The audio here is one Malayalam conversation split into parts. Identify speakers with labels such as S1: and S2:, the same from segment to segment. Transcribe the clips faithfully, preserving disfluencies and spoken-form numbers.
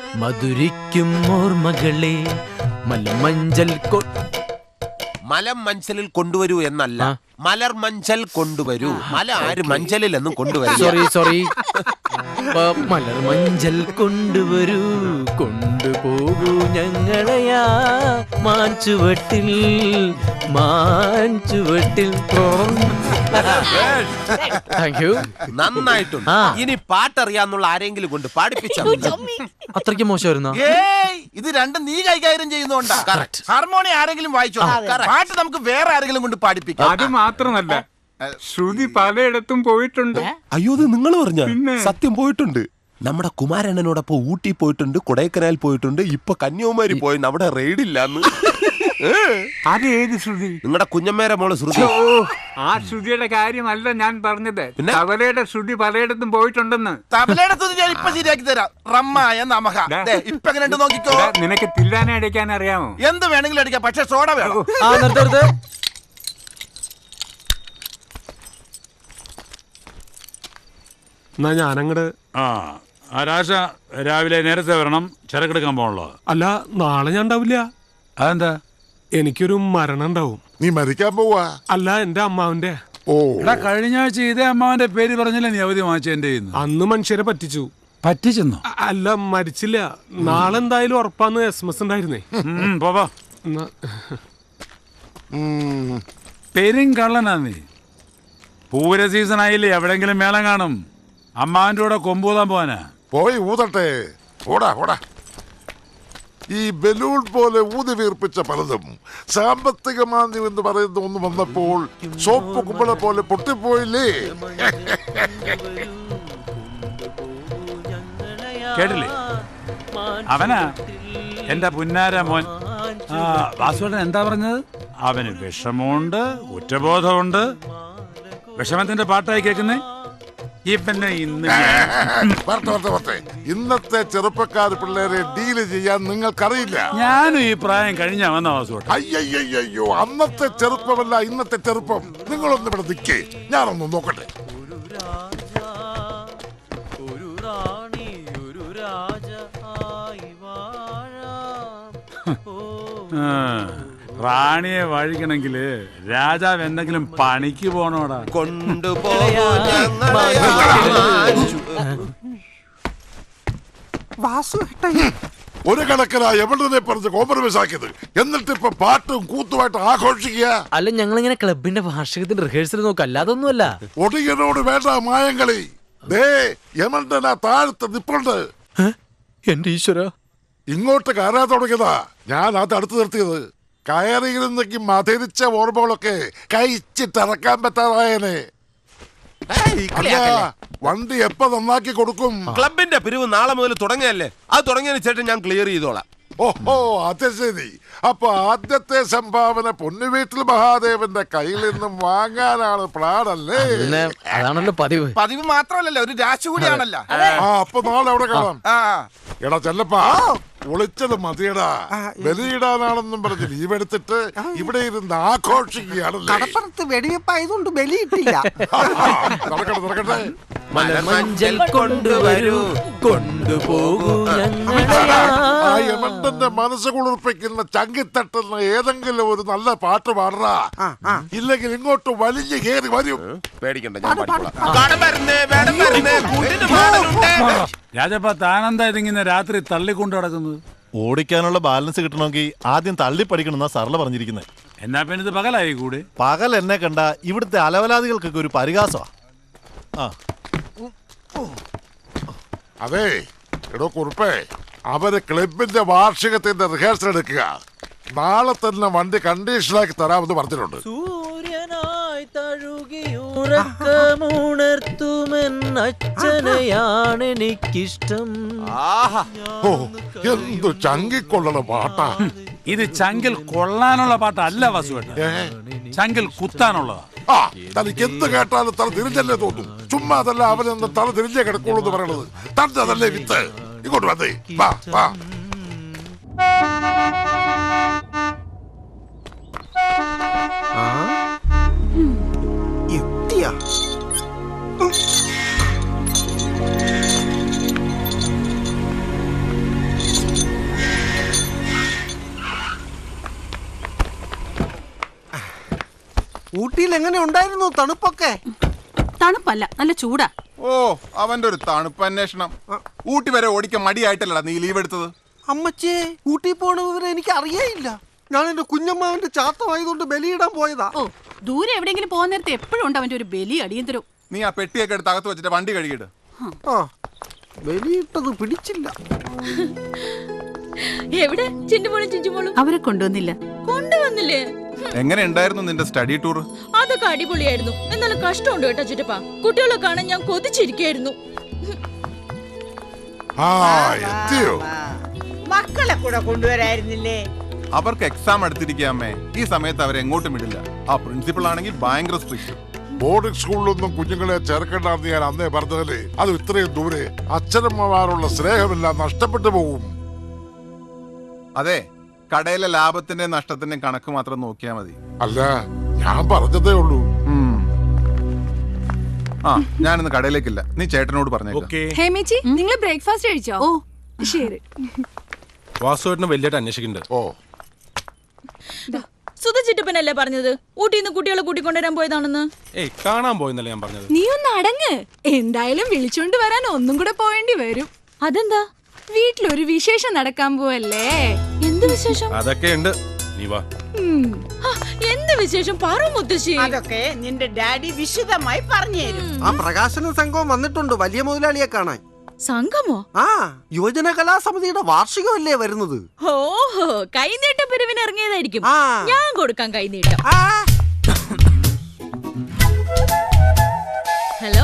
S1: മധുരിക്കും ഓർമ്മകളെ മലമഞ്ചൽ
S2: മലം മഞ്ചലിൽ കൊണ്ടുവരൂ എന്നല്ല, മലർ മഞ്ചൽ കൊണ്ടുവരൂ. മല ആര് മഞ്ചലിൽ എന്നും കൊണ്ടുവരൂ.
S1: സോറി സോറി മലർ മഞ്ചൽ കൊണ്ടുവരൂ, കൊണ്ടുപോകൂ ഞങ്ങളെയാ മാഞ്ചുവട്ടിൽ മാഞ്ചുവട്ടിൽ. Thank you.
S2: നന്നായിട്ടുണ്ട്. ഇനി പാട്ടറിയാന്നുള്ള ആരെങ്കിലും കൊണ്ട് പാടിപ്പിച്ചു.
S1: അത്രയ്ക്ക് മോശമായിരുന്നോ?
S3: ഇത് രണ്ടും നീ കൈകാര്യം ചെയ്യുന്നോണ്ടാ. ഹാർമോണിയം ആരെങ്കിലും വായിച്ചോ? പാട്ട് നമുക്ക് വേറെ ആരെങ്കിലും കൊണ്ട് പാടിപ്പിക്കാം.
S4: അത് മാത്രമല്ല, ശ്രുതി പലയിടത്തും പോയിട്ടുണ്ട്.
S2: അയ്യോ, ഇത് നിങ്ങൾ പറഞ്ഞ സത്യം പോയിട്ടുണ്ട്. നമ്മുടെ കുമാരണ്ണനോടൊപ്പം ഊട്ടി പോയിട്ടുണ്ട്, കൊടൈക്കനാൽ പോയിട്ടുണ്ട്, ഇപ്പൊ കന്യാകുമാരി പോയി. അവിടെ റെയ്ഡില്ലാന്ന്.
S4: അത് ഏത് ശ്രുതി?
S2: നിങ്ങളുടെ കുഞ്ഞമ്മേരെ മോള് ശ്രുതി.
S4: ആ ശ്രുതിയുടെ കാര്യമല്ല ഞാൻ പറഞ്ഞത്. തബലയുടെ ശ്രുതി പലയിടത്തും പോയിട്ടുണ്ടെന്ന്.
S3: തബലയുടെ ശ്രുതി ഞാൻ ഇപ്പൊ ശരിയാക്കി തരാം. റമ്മായ നമഹ. ഇപ്പൊ എങ്ങനെ നോക്കിക്കോ.
S4: നിനക്ക് തില്ലാനെ അടിക്കാൻ അറിയാമോ?
S3: എന്ത് വേണമെങ്കിലും അടിക്കാം, പക്ഷെ സോഡ വേണം.
S5: എന്നാ ഞാനങ്ങട്.
S6: ആ ആരാശ രാവിലെ നേരത്തെ വരണം, ചരക്കെടുക്കാൻ പോകണല്ലോ.
S5: അല്ല, നാളെ ഞാൻ ഉണ്ടാവില്ല.
S6: അതെന്താ?
S5: എനിക്കൊരു മരണം ഉണ്ടാവും.
S7: നീ മരിക്കാൻ പോവാ?
S5: അല്ല, എന്റെ അമ്മാവന്റെ.
S7: ഓ,
S6: കഴിഞ്ഞ ആഴ്ച ഇതേ അമ്മാവന്റെ പേര് പറഞ്ഞില്ലേ നീ അവധി വാങ്ങിച്ച എന്റെ?
S5: അന്ന് മനുഷ്യരെ പറ്റിച്ചു.
S6: പറ്റിച്ചെന്നോ?
S5: അല്ല, മരിച്ചില്ല. നാളെ എന്തായാലും ഉറപ്പാന്ന് എസ് എം എസ് ഉണ്ടായിരുന്നേ.
S6: പോവാ. പെരും കള്ളനാ നീ. പൂര സീസൺ ആയില്ലേ, എവിടെങ്കിലും മേളം കാണും. അമ്മാവന്റെ കൂടെ കൊമ്പൂതാൻ പോവാനാ.
S7: പോയി ഊതട്ടെ. ഓടാ ഓടാ. ഈ ബലൂൺ പോലെ ഊതി വീർപ്പിച്ച പലതും സാമ്പത്തിക മാന്ദ്യം എന്ന് പറയുന്ന ഒന്ന് വന്നപ്പോൾ സോപ്പ് കുമ്പള പോലെ പൊട്ടിപ്പോയില്ലേ?
S6: കേട്ടില്ലേ? അവനാ എന്റെ പുന്നാര മോൻ. ആ വാസുവേട്ടൻ എന്താ പറഞ്ഞത്? അവന് വിഷമമുണ്ട്, കുറ്റബോധമുണ്ട്. വിഷമത്തിന്റെ പാട്ടായി കേൾക്കുന്നേ ഇപ്പന്നെ. ഇന്ന്
S7: ഇന്നത്തെ ചെറുപ്പക്കാർ പിള്ളേരെ ഡീല് ചെയ്യാൻ നിങ്ങൾക്കറിയില്ല.
S6: ഞാനും ഈ പ്രായം കഴിഞ്ഞാ വന്ന വാസുവേട്ടൻ.
S7: അയ്യോ, അന്നത്തെ ചെറുപ്പമല്ല ഇന്നത്തെ ചെറുപ്പം. നിങ്ങളൊന്ന് ഇവിടെ നിൽക്കേ, ഞാനൊന്ന് നോക്കട്ടെ.
S6: റാണിയെ വഴിക്കണമെങ്കില് രാജാവ് എന്തെങ്കിലും പണിക്ക് പോണോടാ.
S2: കൊണ്ടുപോകൂ.
S7: ഒരു കണക്കിനാ എവിടെ പറഞ്ഞ് കോംപ്രമൈസ് ആക്കിയത്. എന്നിട്ട് ഇപ്പൊ പാട്ടും കൂത്തുമായിട്ട് ആഘോഷിക്കുക.
S1: അല്ല, ഞങ്ങളിങ്ങനെ ക്ലബിന്റെ വാർഷികത്തിന്റെ റിഹേഴ്സൽ നോക്കാം, അല്ലാതൊന്നുമല്ല.
S7: ഒടിയനോട് വേണ്ട മായങ്ങളി. ദേ യമണ്ടനാ താഴത്ത് നിപ്പുണ്ട്.
S1: എന്റെ ഈശ്വര,
S7: ഇങ്ങോട്ട് കയറാൻ തുടങ്ങിയതാ. ഞാൻ അത് അടുത്ത് നിർത്തിയത്. കയറിയിരുന്നെങ്കി മധുരിച്ച ഓർമ്മകളൊക്കെ കഴിച്ചിട്ടിറക്കാൻ പറ്റാതായനെ. വണ്ടി എപ്പ നന്നാക്കി കൊടുക്കും?
S2: ക്ലബിന്റെ പിരിവ് നാളെ മുതൽ തുടങ്ങിയല്ലേ, അത് തുടങ്ങിയതിന് ശേഷം ഞാൻ ക്ലിയർ ചെയ്തോളാം.
S7: ഓഹോ, അത് ശരി. അപ്പൊ ആദ്യത്തെ സംഭാവന പൊന്നുവീട്ടിൽ മഹാദേവന്റെ കയ്യിൽ നിന്നും വാങ്ങാനാണ് പ്ലാനല്ലേ?
S1: അതാണല്ലോ പതിവ്.
S3: പതിവ് മാത്രമല്ലല്ലോ, ഒരു രാശി കൂടിയാണല്ലോ.
S7: ആ, അപ്പൊ നാളെ അവിടെ കാണാം. എടാ ചെല്ലപ്പാ, ഒളിച്ചത് മതിയടാ. ബലിയിടാനാണെന്നും പറഞ്ഞ് ലീവ് എടുത്തിട്ട് ഇവിടെ ഇരുന്ന് ആഘോഷിക്കുകയാണല്ലേ.
S3: കടപ്പുറത്ത് വെടിവെപ്പായതുകൊണ്ട് ബലിയിട്ടില്ല.
S7: നടക്കട്ടെ നടക്കട്ടെ.
S1: മലമഞ്ചൽ കൊണ്ടുവരൂ, കൊണ്ടുപോകൂ
S7: ആ യമണ്ടന്റെ മനസ്സ് കുളിർപ്പിക്കുന്ന ചങ്കിത്തട്ടുന്ന ഏതെങ്കിലും ഒരു നല്ല പാട്ട് പാടാ. ഇല്ലെങ്കിൽ ഇങ്ങോട്ട് വലിഞ്ഞു കയറി വരും.
S2: പേടിക്കണ്ട, ഞാൻ
S6: രാജപ്പ താനെന്താ ഇതിങ്ങനെ രാത്രി തള്ളിക്കൊണ്ട് നടക്കുന്നത്?
S8: ഓടിക്കാനുള്ള ബാലൻസ് കിട്ടണമെങ്കിൽ ആദ്യം തള്ളി പഠിക്കണമെന്നാ സർല പറഞ്ഞിരിക്കുന്നത്.
S6: എന്നാ പിന്നെ ഇത് പകലായി കൂടെ?
S8: പകൽ എന്നെ കണ്ട ഇവിടുത്തെ അലവലാദികൾക്കൊക്കെ ഒരു പരിഹാസമാ. ആ
S7: അതെ എടോ കുറുപ്പേ, അവര് ക്ലബിന്റെ വാർഷികത്തിന്റെ റിഹേഴ്സൽ എടുക്കുക. നാളെ തന്നെ വണ്ടി കണ്ടീഷനാക്കി തരാമെന്ന് പറഞ്ഞിട്ടുണ്ട്.
S1: സൂര്യനായി തഴുകിയുറക്കമുണർത്തുമെന്നച്ഛനെയാണ് എനിക്കിഷ്ടം.
S7: ഓ, എന്തു ചങ്കിക്കൊള്ളണ പാട്ടാ
S6: ഇത്. ചങ്കിൽ കൊള്ളാനുള്ള പാട്ടല്ല വാസുവേട്ട, ചങ്കിൽ കുത്താനുള്ളതാ.
S7: ആ, തനിക്ക് എന്ത് കേട്ടാലും തല തിരിഞ്ഞല്ലേ തോന്നും. ചുമ്മാ അതല്ല അവനെന്ന് തല തിരിഞ്ഞേ കിടക്കുള്ളൂ എന്ന് പറയണത്. തന്നതല്ലേ വിത്ത്. ഇങ്ങോട്ട് വന്നേ, വാ വാ.
S3: എത്തിയാ
S9: ഊട്ടിയിൽ എങ്ങനെ ഉണ്ടായിരുന്നു തണുപ്പൊക്കെ?
S10: തണുപ്പല്ല, നല്ല ചൂടാ.
S3: ഓ അവന്റെ ഒരു തണുപ്പ് അന്വേഷണം. ഊട്ടി വരെ ഓടിക്കാൻ മടിയായിട്ടല്ലടാ നീ ലീവ് എടുത്തത്.
S9: അമ്മച്ചേ, ഊട്ടി പോണ വിവരം എനിക്ക് അറിയേയില്ല. ഞാൻ എന്റെ കുഞ്ഞമ്മാവന്റെ ചാത്തമായതുകൊണ്ട് ബലിയിടാൻ പോയതാ.
S10: ഓ, ദൂരെ എവിടെയെങ്കിലും പോകുന്ന നേരത്തെ എപ്പോഴും ഉണ്ട് അവന്റെ ഒരു ബലി അടിയന്തരം.
S3: നീ ആ പെട്ടിയൊക്കെ എടുത്ത് അകത്ത് വെച്ചിട്ട് വണ്ടി കഴുകിയിട്ട്.
S9: ആ, ബലിയിട്ടത് പിടിച്ചില്ല.
S11: എവിടെ ചിണ്ടുമോളും ചിഞ്ചുമോളും?
S10: അവരെ കൊണ്ടുവന്നില്ല.
S11: കൊണ്ടുവന്നില്ലേ?
S3: എങ്ങനെ ഉണ്ടായിരുന്നു നിന്റെ സ്റ്റഡി ടൂർ?
S11: അതൊക്കെ അടിപൊളിയായിരുന്നു. എന്നാലും കഷ്ടമുണ്ട് കേട്ടോ ചിറ്റപ്പ. കുട്ടികളെ കാണാൻ ഞാൻ കൊതിച്ചിരിക്കായിരുന്നു.
S12: മക്കളെ കൂടെ കൊണ്ടുവരായിരുന്നില്ലേ?
S3: അവർക്ക് എക്സാം എടുത്തിരിക്കാമേ. ഈ സമയത്ത് അവരെ എങ്ങോട്ടും വിടില്ല. ആ പ്രിൻസിപ്പൾ ആണെങ്കിൽ ഭയങ്കര സ്ട്രിക്റ്റ്.
S7: ബോർഡിംഗ് സ്കൂളിലൊന്നും കുഞ്ഞുങ്ങളെ ചേർക്കേണ്ടെന്ന് ഞാൻ അന്നേ പറഞ്ഞതല്ലേ. അത് ഇത്രയും ദൂരെ അച്ഛനമ്മമാരുള്ള സ്നേഹമെല്ലാം നഷ്ടപ്പെട്ടു പോകും.
S3: അതെ, കടയിലെ ലാഭത്തിന്റെ നഷ്ടത്തിന്റെ കണക്ക് മാത്രം നോക്കിയാൽ മതി.
S7: അല്ല, ഞാൻ പറഞ്ഞതേ ഉള്ളൂ.
S3: ആ, ഞാനിന്ന് കടയിലേക്കില്ല. നീ ചേട്ടനോട് പറഞ്ഞേക്ക്.
S10: ഹേമേച്ചി, നിങ്ങൾ ബ്രേക്ക്ഫാസ്റ്റ് കഴിച്ചോ? ഓ ശരി.
S5: വാസുവേട്ടനെ വലിയായിട്ട് അന്വേഷിക്കുന്നുണ്ട്.
S7: ഓ,
S11: സുധ ചിറ്റപ്പനല്ലേ പറഞ്ഞത് ഊട്ടിന്ന് കുട്ടികളെ കൂട്ടിക്കൊണ്ടുവരാൻ പോയതാണെന്ന്?
S5: ഏയ്, കാണാൻ പോയെന്നല്ലേ ഞാൻ പറഞ്ഞത്.
S10: നീ ഒന്ന് അടങ്ങ്. എന്തായാലും വിളിച്ചോണ്ട് വരാൻ ഒന്നും കൂടെ പോവേണ്ടി വരും.
S11: അതെന്താ?
S10: വീട്ടിലൊരു വിശേഷം നടക്കാൻ പോവല്ലേ.
S11: എന്ത് വിശേഷം?
S5: അതൊക്കെ ഉണ്ട്, നീ വാ.
S11: എന്ത് വിശേഷം പറ മുത്തശ്ശി.
S12: അതൊക്കെ നിന്റെ ഡാഡി വിശദമായി പറഞ്ഞു തരും.
S9: ആ പ്രകാശന സംഘം വന്നിട്ടുണ്ട് വലിയ മുതലാളിയെ കാണാൻ.
S11: സംഘമോ?
S9: ആ, യുവജന കലാസമിതിയുടെ വാർഷികമല്ലേ വരുന്നത്.
S11: ഓഹോ, കൈനീട്ട പിരിവിന് ഇറങ്ങിയതായിരിക്കും.
S9: ആ.
S11: ഞാൻ കൊടുക്കാം കൈനീട്ടം.
S9: ആ,
S11: ഹലോ.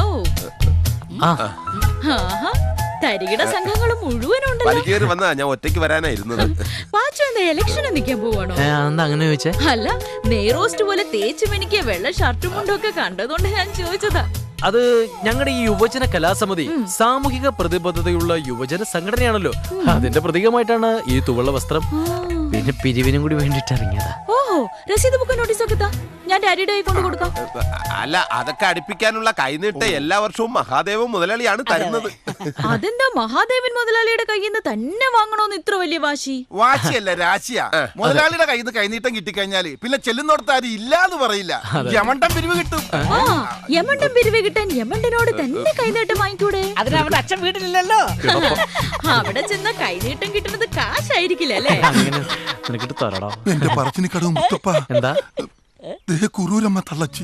S1: ആ
S11: ആഹാ, തരികിട സംഘങ്ങൾ മുഴുവനുണ്ടല്ലോ.
S2: വലിക്കേറി വന്നാ ഞാൻ ഒറ്റയ്ക്ക് വരാനായിരുന്നത്.
S11: പാച്ചു എന്താ ഇലക്ഷന് നിൽക്കാൻ പോവാണോ?
S1: ഏ, അതെന്താ അങ്ങനെ ചോദിച്ചേ?
S11: അല്ല, നെയ്റോസ്റ്റ് പോലെ തേച്ചു മെനിക്ക് വെള്ള ഷർട്ടും മുണ്ടും ഒക്കെ കണ്ടതുകൊണ്ട് ഞാൻ ചോദിച്ചതാ.
S1: അത് ഞങ്ങളുടെ ഈ യുവജന കലാസമിതി സാമൂഹിക പ്രതിബദ്ധതയുള്ള യുവജന സംഘടനയാണല്ലോ. അതിന്റെ പ്രതീകമായിട്ടാണ് ഈ തുവള്ള വസ്ത്രം. പിന്നെ പിരിവിനും കൂടി വേണ്ടിട്ട് ഇറങ്ങിയതാ.
S11: ഓഹോ, രസീത് ബുക്ക് നോട്ടീസ് ഒക്കെ താ, ഞാൻ ഡാഡിയുടെ കൈ കൊണ്ട് കൊടുക്കാം.
S2: അല്ല, അതൊക്കെ അടുപ്പിക്കാനുള്ള കൈനീട്ട് എല്ലാ വർഷവും മഹാദേവൻ മുതലാളിയാണ് തരുന്നത്.
S11: അതെന്താ മഹാദേവൻ മുതലാളിയുടെ കയ്യിൽ നിന്ന് തന്നെ വാങ്ങണോന്ന് ഇത്ര വലിയ വാശി?
S3: വാശിയല്ല, രാശിയാ. മുതലാളിയുടെ കയ്യിൽ നിന്ന് കൈനീട്ടം കിട്ടിക്കഴിഞ്ഞാല് പിന്നെ ചെല്ലുന്നോടത്ത് ആരും ഇല്ലാന്ന് പറയില്ല. യമണ്ടം പിരിവ് കിട്ടും.
S11: ആ, യമണ്ടം പിരിവ് കിട്ടാൻ യമണ്ടനോട് തന്നെ കൈനീട്ടം വാങ്ങിക്കൂടെ?
S12: അതിന് അവിടെ അച്ഛൻ വീട്ടിലില്ലല്ലോ.
S11: അവിടെ ചെന്ന കൈനീട്ടം കിട്ടുന്നത് കാശായിരിക്കില്ല അല്ലേ?
S1: അങ്ങനെ നിനക്കിട്ട് തരടാ.
S3: എന്റെ പറച്ചിന് കടവും മുത്തപ്പ.
S1: എന്താ
S3: കുറൂരമ്മ തള്ളച്ചി.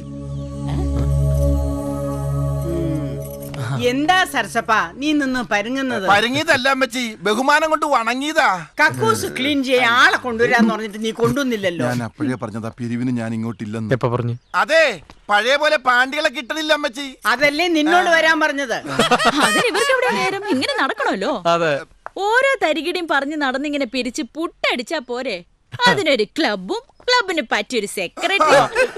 S12: എന്താ സരസപ്പ നീ നിന്ന് പരുങ്ങുന്നത്?
S3: പരുങ്ങിയതല്ല അമ്മച്ചി, ബഹുമാനം കൊണ്ട് വണങ്ങിയതാ.
S12: കക്കൂസ് ക്ലീൻ ചെയ്യാൻ ആളെ കൊണ്ടുവരാന്ന് പറഞ്ഞിട്ട് നീ കൊണ്ടുവന്നില്ലല്ലോ.
S3: ഞാൻ അപ്പോഴേ പറഞ്ഞതാ പിരിവിന് ഞാൻ ഇങ്ങോട്ടില്ലെന്ന്.
S1: എപ്പ പറഞ്ഞു?
S3: അതെ, പഴയ പോലെ പാണ്ടികളെ കിട്ടണില്ല അമ്മച്ചി.
S12: അതല്ലേ നിന്നോട് വരാൻ പറഞ്ഞത്.
S11: അതിന് ഇവർക്ക് എവിടെ നേരം? ഇങ്ങനെ നടക്കണല്ലോ.
S1: അതെ,
S11: ഓരോ തരികിടയും പറഞ്ഞ് നടന്നിങ്ങനെ പിരിച്ച് പുട്ടടിച്ചാ പോരെ? അതിനൊരു ക്ലബും ക്ലബിന് പറ്റിയൊരു സെക്രട്ടറി.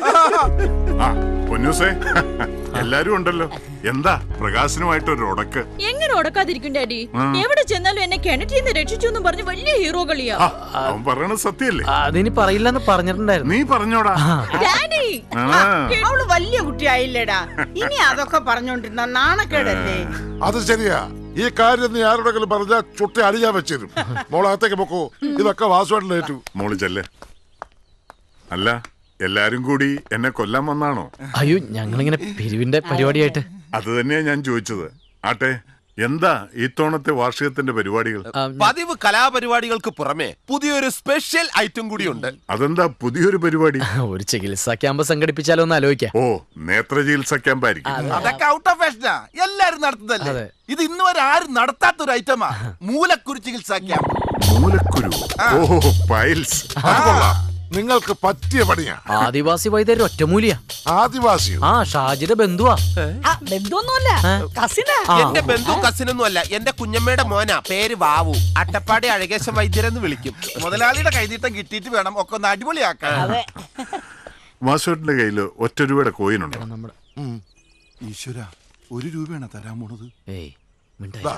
S7: എല്ലാരും ഉണ്ടല്ലോ. എന്താ പ്രകാശനുമായിട്ടൊരു ഉടക്ക്?
S11: എങ്ങനെ ഉടക്കാതിരിക്കും ഡാഡി? എവിടെ ചെന്നാലും എന്നെ കിണറ്റിൽ നിന്ന് രക്ഷിച്ചു എന്ന് പറഞ്ഞ് വലിയ ഹീറോകളിയാ.
S7: അവൻ പറയണത് സത്യല്ലേ?
S1: അതിനി പറയില്ലെന്ന് പറഞ്ഞിട്ടുണ്ടായിരുന്നു.
S7: നീ പറഞ്ഞോടാ.
S11: ഡാഡി,
S12: അവള് വലിയ കുട്ടിയായില്ലേടാ. ഇനി അതൊക്കെ പറഞ്ഞോണ്ടിരുന്ന നാണക്കേടല്ലേ?
S7: അത് ശരിയാ. ഈ കാര്യം നീ ആരോടെങ്കിലും പറഞ്ഞാൽ ചുട്ടി അടിയാൻ വെച്ചിരും. മോളകത്തേക്ക് പൊക്കോ. ഇതൊക്കെ വാസുവായിട്ടേറ്റു. മോള് ചെല്ലേ. അല്ല, എല്ലാരും കൂടി എന്നെ കൊല്ലാൻ വന്നാണോ?
S1: അയ്യോ, ഞങ്ങളിങ്ങനെ പിരിവിന്റെ പരിപാടിയായിട്ട്.
S7: അത് തന്നെയാ ഞാൻ ചോദിച്ചത്. ആട്ടെ, എന്താ ഇത്തവണത്തെ വാർഷികത്തിന്റെ പരിപാടികൾ?
S2: പതിവ് കലാപരിപാടികൾക്ക് പുറമെ പുതിയൊരു സ്പെഷ്യൽ ഐറ്റം കൂടിയുണ്ട്.
S7: അതെന്താ പുതിയൊരു പരിപാടി?
S1: ഒരു ചികിത്സാ ക്യാമ്പ് സംഘടിപ്പിച്ചാലോ എന്ന് ആലോചിക്കാം.
S7: ഓ, നേത്ര ചികിത്സ ക്യാമ്പായിരിക്കും.
S3: അതൊക്കെ ഔട്ട് ഓഫ് ഫാഷനാ, എല്ലാരും നടത്തുന്നതല്ലേ. ഇത് ഇന്ന് വരെ ആരും നടത്താത്തൊരു ഐറ്റമാ മൂലക്കുരു ചികിത്സാ ക്യാമ്പ്.
S7: മൂലക്കുരു? ഓ, പൈൽസ്. അത് കൊള്ളാം. നിങ്ങൾക്ക് പറ്റിയ പണിയാ.
S1: ആദിവാസി വൈദ്യർ ഒറ്റമൂലിയാ.
S7: ആദിവാസിയോ?
S1: ആ, ഷാജിയുടെ ബന്ധുവാ.
S12: ബന്ധുവൊന്നുമല്ല, കസിനാ.
S2: എന്റെ ബന്ധു കസിനൊന്നും അല്ല, എന്റെ കുഞ്ഞമ്മയുടെ മോനാ. പേര് വാവു. അട്ടപ്പാടി അഴകേശൻ വൈദ്യരെന്ന് വിളിക്കും.
S3: മുതലാളിയുടെ കൈനീട്ടം കിട്ടിയിട്ട് വേണം ഒക്കെ ഒന്ന് അടിപൊളിയാക്കാൻ.
S7: വാസുവേട്ടന്റെ കയ്യില് ഒറ്റ രൂപയുടെ കോയിനുണ്ട്.
S3: ഈശ്വര, ഒരു രൂപയാണ് തരാൻ പോണത്.
S1: ഏയ്, മിണ്ടാതിരി.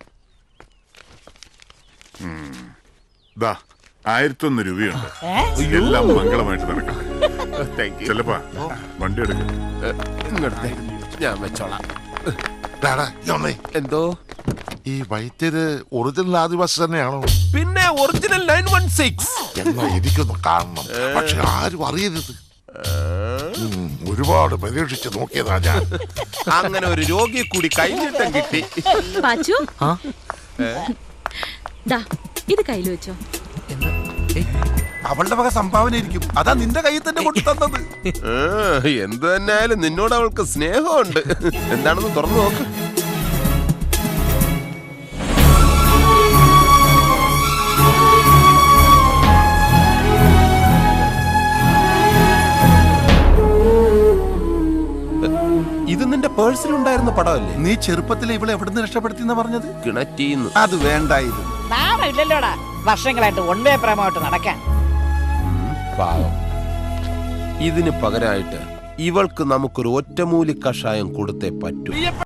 S7: ദാ, ആയിരത്തൊന്ന് രൂപയുണ്ട്. എല്ലാം മംഗളമായിട്ട് നടക്കട്ടെ. ചെല്ലപ്പാ, വണ്ടി എടുക്കും.
S2: ഇങ്ങോട്ടേ, ഞാൻ വെച്ചോളാം. എന്തോ?
S7: ഈ വൈദ്യര് ഒറിജിനൽ ആദിവാസി തന്നെയാണോ?
S2: പിന്നെ ഒറിജിനൽ നയൻ വൺ സിക്സ്.
S7: എന്നാ എനിക്കൊന്ന് കാണണം, പക്ഷെ ആരും അറിയരുത്. ഒരുപാട് പരീക്ഷിച്ച് നോക്കിയതാ ഞാൻ.
S2: അങ്ങനെ ഒരു രോഗിയെ കൂടി കൈനീട്ടം കിട്ടി.
S11: പാച്ചു
S1: ആ
S11: ദാ ഇത് കയ്യിൽ വെച്ചോ.
S3: അവളുടെ വക സംഭാവന ഇരിക്കും. അതാ നിന്റെ കയ്യിൽ തന്നെ കൊണ്ടു തന്നത്.
S2: എന്ത് തന്നെയായാലും നിന്നോട് അവൾക്ക് സ്നേഹമുണ്ട്. എന്താണെന്ന് തുറന്നു നോക്ക്. ഇത് നിന്റെ പേഴ്സിലുണ്ടായിരുന്ന പടമല്ലേ?
S3: നീ ചെറുപ്പത്തിൽ ഇവളെ എവിടുന്ന് രക്ഷപ്പെടുത്തി പറഞ്ഞത്?
S2: കിണറ്റീന്ന്.
S3: അത് വേണ്ടായിരുന്നു.
S12: നാമില്ലല്ലോടാ വർഷങ്ങളായിട്ട് വൺ വേ പ്രേമമായിട്ട് നടക്കാൻ.
S2: പാവം. ഇതിന് പകരമായിട്ട് ഇവൾക്ക് നമുക്കൊരു ഒറ്റമൂലി കഷായം കൊടുത്തേ പറ്റൂ.